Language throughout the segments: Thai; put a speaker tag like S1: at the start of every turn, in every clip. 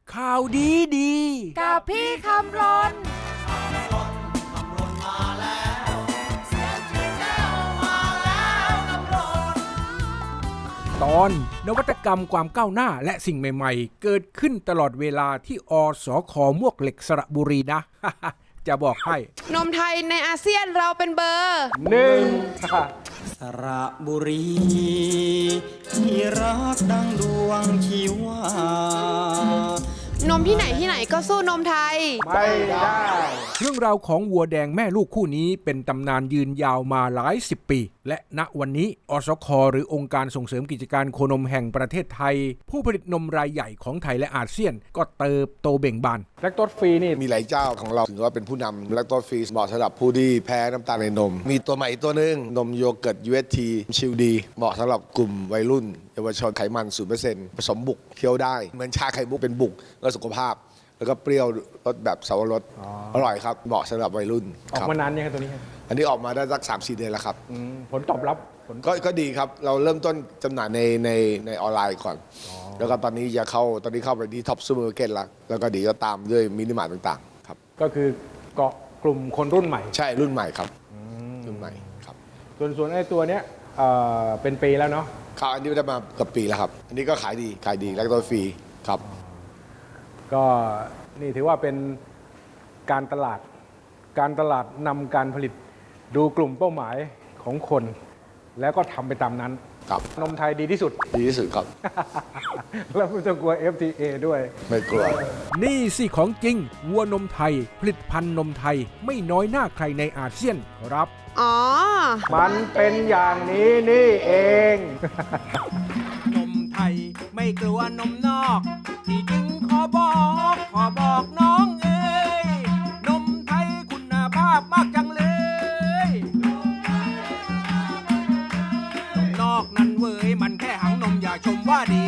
S1: ข่าวดีดี
S2: กับพี่คำรน
S1: ตอนนวัตกรรมความก้าวหน้าและสิ่งใหม่ๆเกิดขึ้นตลอดเวลาที่สค.มวกเหล็กสระบุรีนะ จะบอกให้
S2: นมไทยในอาเซียนเราเป็นเบอร์
S3: สระบุรีที่รักดังดวงชีวาน
S2: มที่ไหนก็สู้นมไทย
S1: ไม่ได้เรื่องราวของวัวแดงแม่ลูกคู่นี้เป็นตำนานยืนยาวมาหลายสิบปีและณวันนี้สค.หรือองค์การส่งเสริมกิจการโคนมแห่งประเทศไทยผู้ผลิตนมรายใหญ่ของไทยและอาเซียนก็เติบโตเบ่งบาน
S4: แลคโตสฟรีนี่มีหลายเจ้าของเราถือว่าเป็นผู้นำแลคโตสฟรีเหมาะสำหรับผู้ที่แพ้น้ำตาลในนมมีตัวใหม่ตัวนึงนมโยเกิร์ต UHT ชิลดีเหมาะสำหรับกลุ่มวัยรุ่นเยาวชนไขมัน 0% ผสมบุกเคี้ยวได้เหมือนชาไข่มุกเป็นบุกแล้วสุขภาพแล้วก็เปรี้ยวรสแบบเสาวรสอร่อยครับเหมาะสำหรับวัยรุ่น
S1: ออกมานานยังครับตัวนี้
S4: อันนี้ออกมาได้สัก 3-4 เดือนแล้วครับ
S1: ผลตอบรับ
S4: ก็ดีครับเราเริ่มต้นจำหน่ายในออนไลน์ก่อนแล้วก็ตอนนี้เข้าไปที่ท็อปซูเปอร์มาร์เก็ตแล้วก็ดีก็ตามด้วยมินิมาร์ทต่างๆครับ
S1: ก็คือเกาะกลุ่มคนรุ่นใหม่
S4: ใช่รุ่นใหม่ครับรุ่นใหม่ครับ
S1: ส่วนไอ้ตัวเนี้ยเป็นปีแล้วเนาะ
S4: ครับอันนี้ได้มาเกือบปีแล้วครับอันนี้ก็ขายดีแล้วก็ฟรีครับ
S1: ก็นี่ถือว่าเป็นการตลาดนำการผลิตดูกลุ่มเป้าหมายของคนแล้วก็ทำไปตามนั้น
S4: ครับ
S1: นมไทยดีที่สุด
S4: ครับ
S1: แล้วไม่ต้องกลัว FTA ด้วย
S4: ไม่กลัว
S1: นี่สิของจริงวัวนมไทยผลิตภัณฑ์นมไทยไม่น้อยหน้าใครในอาเซียนครับ
S2: อ๋อ
S1: มันเป็นอย่างนี้นี่เอง
S5: นมไทยไม่กลัวนมนอกที่จึงขอบอกน้องเอ๋ยนมไทยคุณภาพมากจังเลยนมนอกนั้นเว้ยมันแค่หังนมอย่าชมว่าดี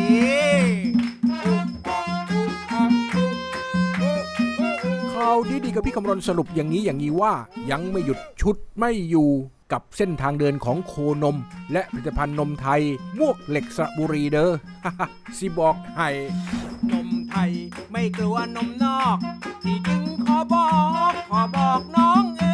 S1: ข่าวดีๆกับพี่คำรณสรุปอย่างนี้ว่ายังไม่หยุดชุดไม่อยู่กับเส้นทางเดินของโคนมและผลิตภัณฑ์นมไทยมวกเหล็กสระบุรีเด้อ สิบอกให้
S5: นมไทยไม่กลัวนมนอกที่จึงขอบอกน้องเอ๋